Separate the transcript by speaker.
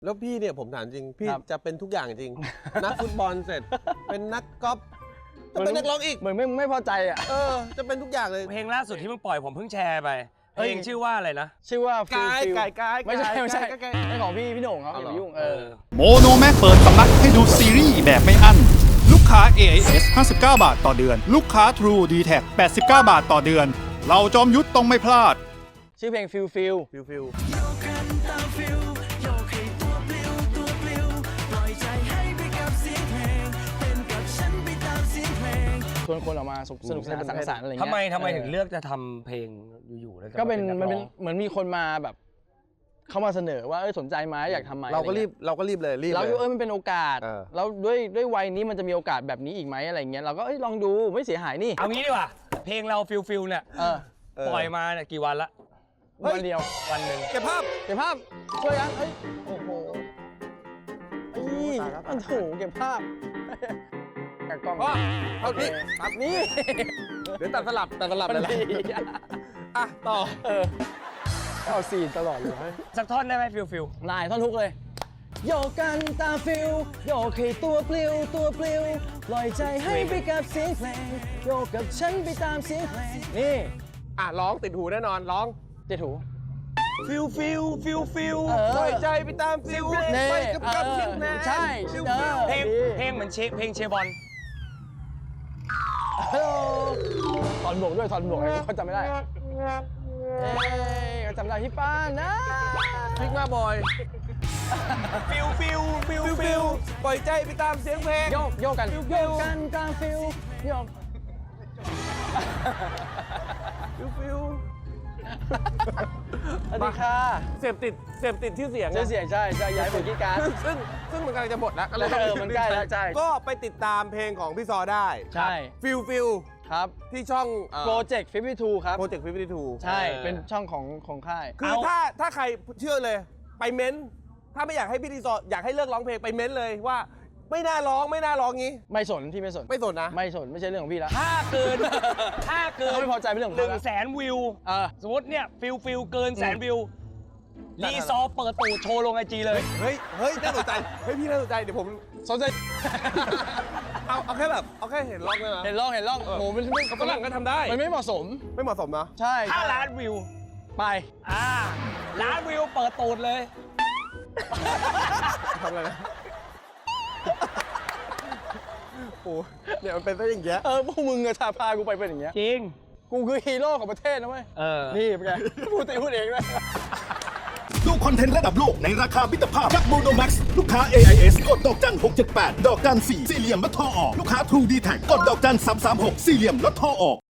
Speaker 1: แล้วพี่เนี่ยผมถามจริงพี่
Speaker 2: ครับ
Speaker 1: จะเป็นทุกอย่างจริง นักฟุตบอลเสร็จ เป็นนักกอล์ฟจะเป็นนักร้องอีก
Speaker 2: เหมือนไม่พอใจอ่ะ
Speaker 1: จะเป็นทุกอย่างเลย
Speaker 3: เพลงล่าสุดที่มึงปล่อยผมเพิ่งแชร์ไปเพลงชื่อว่าอะไรนะ
Speaker 2: ชื่อว่า
Speaker 1: กาย
Speaker 2: Feel
Speaker 1: กาย
Speaker 2: ไม่ใช่ไม่ใช่
Speaker 1: กาย
Speaker 2: เป็นของพี่โหน่งเขาอย่าไปยุ่ง
Speaker 4: โมโนแม็กเปิดสำนักให้ดูซีรีส์แบบไม่อั้นลูกค้า AIS 59 บาทต่อเดือน ลูกค้า True d t a c 89 บาทต่อเดือน เราจอมยุทธต้องไม่พลาด
Speaker 2: ชื่อเพลง Feel
Speaker 1: ฟิล
Speaker 2: ชวนคนออกมาสนุกสนานสังสรรค์อะไรเงี้ย
Speaker 3: ทำไมถึงเลือกจะทำเพลงอยู่ๆแล้วจะ
Speaker 2: ก็เป็น
Speaker 3: า
Speaker 2: มัน
Speaker 3: ก
Speaker 2: เป็น
Speaker 3: ร้อง
Speaker 2: เหมือนมีคนมาแบบเข้ามาเสนอว่าสนใจไหมอยากทำไหม
Speaker 1: เราก็รีบเลยรีบ
Speaker 2: เรา
Speaker 1: เลย
Speaker 2: มันเป็นโอกาส
Speaker 1: อ
Speaker 2: แล้วด้วยวัยนี้มันจะมีโอกาสแบบนี้อีกไหมอะไรเงี้ยเราก็ลองดูไม่เสียหายนี่
Speaker 3: เอางี้ดีกว่าเพลงเราฟิลเนี่ย ปล่อยมาเนี่ยกี่วันละ
Speaker 2: วันเดียว
Speaker 3: วันหนึ่ง
Speaker 1: เก็บภาพ
Speaker 2: เก็บภาพช่วยกันโอ้โหอันโถเก็บภาพกับกล้อง
Speaker 1: พ่อเอานี่
Speaker 2: ตัดนี่
Speaker 1: เดี๋ยวตัดสลับ
Speaker 2: มัน
Speaker 1: เลย
Speaker 2: ดี
Speaker 1: อ่ะต่อ
Speaker 2: เอาซีนตลอดเลย
Speaker 3: สักท่อนได้ไหมฟิล
Speaker 2: นายท่อนทุกเลยโยกกันตามฟิลโยกให้ตัวปลิวปล่อยใจให้ไปกับเสียงเพลงโยกกับฉันไปตามเสียงเพลงนี่
Speaker 1: ร้องติดหูแน่นอนร้อง
Speaker 2: เจ๊ถู
Speaker 3: ฟิล
Speaker 1: ปล่อยใจไปตามฟิล
Speaker 2: เน่
Speaker 1: ไปกับเสียงเพลง
Speaker 2: ใช่
Speaker 3: เพลงเหมือนเพลงเชียร์บอล
Speaker 2: ฮัลโหลถอนหมวกด้วยถอนหมวกเขาจำไม่ได้เขาจำได้พี่ป้านนะ
Speaker 1: พิกมาบอยฟิลปล่อยใจไปตามเสียงเพลง
Speaker 2: โยกกันกันตามฟิลโยก
Speaker 1: ฟิล
Speaker 2: สวัสดีค่ะ
Speaker 1: เสพติดชื่อเสียง
Speaker 2: เสียงใช่ย้ายไปกีการ
Speaker 1: ซึ่งมันกำลังจะหมดแล้ว
Speaker 2: มันใกล้แล้วใช่
Speaker 1: ก็ไปติดตามเพลงของพี่ซอได้
Speaker 2: ใช่
Speaker 1: ฟิล
Speaker 2: ครับ
Speaker 1: ที่ช่อง
Speaker 2: โปรเจกต์52ครับ
Speaker 1: โปรเจกต์52
Speaker 2: ใช่เป็นช่องของค่าย
Speaker 1: คือถ้าใครเชื่อเลยไปเม้นถ้าไม่อยากให้พี่ดีซออยากให้เลิกร้องเพลงไปเม้นเลยว่าไม่น่าร้องงี้
Speaker 2: ไม่สนที่ไม่สน
Speaker 1: ไม่สนนะ
Speaker 2: ไม่สนไม่ใช่เรื่องของพี่แล้ว
Speaker 3: ถ้าเกิน
Speaker 2: เขาไม่พอใจเป็นเรื่องของเขาแล้ว
Speaker 3: 100,000 วิว สมมติเนี่ยฟิลเกิน100,000 วิว
Speaker 1: จัด
Speaker 3: รีซอร์เปิดตูดโชว์ลงไอจีเลย
Speaker 1: เฮ้ยน่าสนใจพี่น่าสนใจเดี๋ยวผม
Speaker 2: สนใจ
Speaker 1: เอาแค่แบบเอาแค่เห็นร้องได้ไหม
Speaker 2: เห็นร่องโอ้โหมัน
Speaker 1: ฝรั่งก็ทำได้
Speaker 2: มันไม่เหมาะสม
Speaker 1: ไม่เหมาะสมนะ
Speaker 2: ใช่
Speaker 3: ถ้าล้านวิว
Speaker 2: ไป
Speaker 3: ล้านวิวเปิดตูดเลย
Speaker 1: ทำอะไรนะโอ้เนี่ยมันเป็นซะอย่างเงี้ย
Speaker 2: พวกมึงอะพากูไปเป็นอย่างเงี้ย
Speaker 3: จริง
Speaker 2: กูคือฮีโร่ของประเทศนะเว้ย นี่เป็นไง พูดเองนะ
Speaker 4: ดูคอนเทนต์ระดับโลกในราคามิตรภาพกับโมโนแม็กลูกค้า AIS กดดอกจัน678 ดอกจัน4สี่เหลี่ยมลดโทรออก ลูกค้า True d t a c กดดอกจัน336 สี่เหลี่ยมลดโทรออก